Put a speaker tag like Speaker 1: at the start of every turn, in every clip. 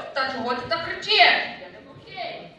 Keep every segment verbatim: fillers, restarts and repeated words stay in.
Speaker 1: Та чого ти так кричиш? Я не окей.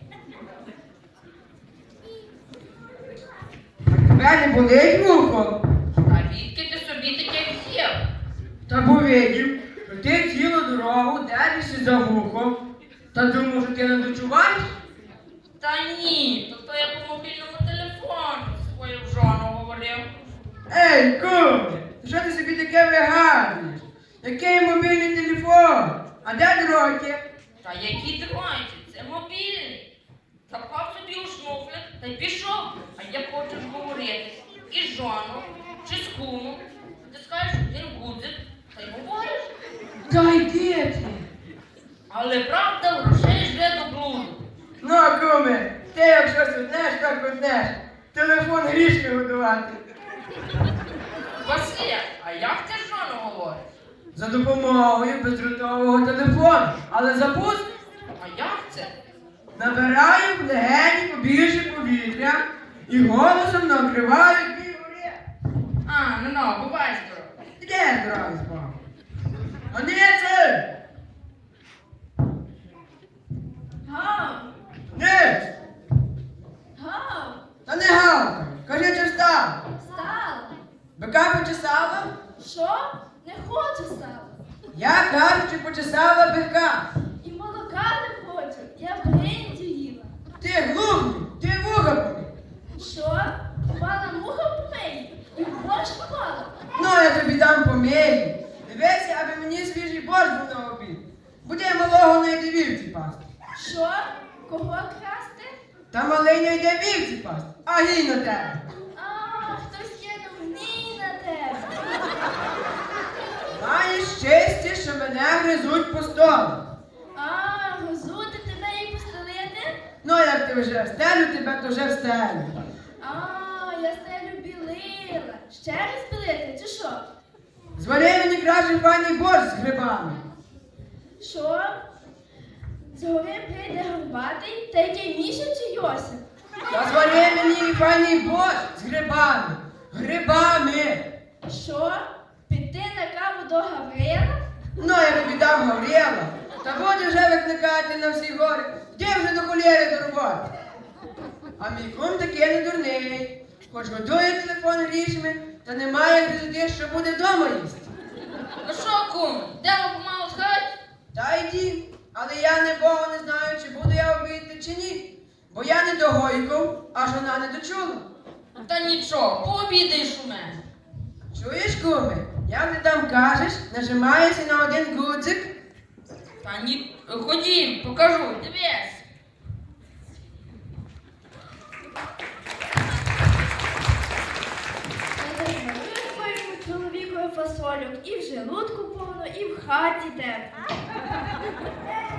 Speaker 2: Тебе не болить вухо?
Speaker 1: А відки ти собі таке взяв?
Speaker 2: Та бо видів, що ти цілу дорогу держишся за вухо. Та думав, що ти не дочуваєш?
Speaker 1: Та ні, то то я по мобільному телефону з своєю жоною говорив.
Speaker 2: Ей, куме, що ти собі таке вигадуєш? Який мобільний телефон? А де дроті?
Speaker 1: Та які тримайте, це мобільний. Запав собі у шнуфлик та й пішов. А як хочеш говорити із жоною чи з кумом, натискаєш один гудзик та й говориш.
Speaker 2: Та йди ти.
Speaker 1: Але правда грошей жде до блуду.
Speaker 2: Ну, куме, ти як щось однеш, так однеш. Телефон грішми годувати.
Speaker 1: Василя, а як ти з жоною говориш?
Speaker 2: За допомогою бездротового телефону. Але запуск
Speaker 1: А як це?
Speaker 2: набираю в легені побільше повітря і голосом накриваю дві гори.
Speaker 1: А, ну ну, бувай здоров.
Speaker 2: Де здравий з Богом? Аніце!
Speaker 3: Гав!
Speaker 2: Ниць!
Speaker 3: Гав!
Speaker 2: Та не гавкай! Кажи, чи встав?
Speaker 3: Стала!
Speaker 2: Бика почесала?
Speaker 3: Що? Не хочу стала.
Speaker 2: Я кажу, чи почесала бика.
Speaker 3: І молока не хочу. Я бринзю їла.
Speaker 2: Ти глухий, ти вуха помий.
Speaker 3: Що? Впала муха в помиї? І в борщ впала?
Speaker 2: Ну, я тобі дам помію. Дивися, аби мені свіжий борщ був на обід. Буде малого не йде вівці пасти.
Speaker 3: Що? Кого красти?
Speaker 2: Та малий не йде вівці пасти, а гій на тебе.
Speaker 3: А, хтось кинув гній на тебе.
Speaker 2: Маєш щастя, що мене гризуть по столу.
Speaker 3: А, гозути тебе і постелити?
Speaker 2: Ну, як ти вже встелю, тебе то вже встелю.
Speaker 3: А, я стелю білила. Ще раз білити, чи що?
Speaker 2: Звари мені краще пані борщ з грибами.
Speaker 3: Що? Згори прийде горбатий, та який Міша чи Йосип?
Speaker 2: Та звари мені пані борщ з грибами. Грибами.
Speaker 3: Що? Піти на каву до Гаврила?
Speaker 2: Ну, я тобі дам Гавріла. Та буде вже викликати на всі гори. Де вже до холєри до роботи? А мій кум такий не дурний. Хоч годує телефон грішми, та немає гризоти, що буде вдома їсти.
Speaker 1: Ну що, кум, йдемо помалу з хати?
Speaker 2: Та йди, але я не Бога не знаю, чи буду я обійти, чи ні. Бо я не догойком, а жона не дочула.
Speaker 1: Та нічого, пообідаєш у мене.
Speaker 2: Чуєш, куми? Як ти там кажеш, нажимаєшся на один гудзик.
Speaker 1: Та ні, ходім, покажу, дивись.
Speaker 3: Я дарую своєму чоловікові фасольок і в желудку повно, і в хаті тепло.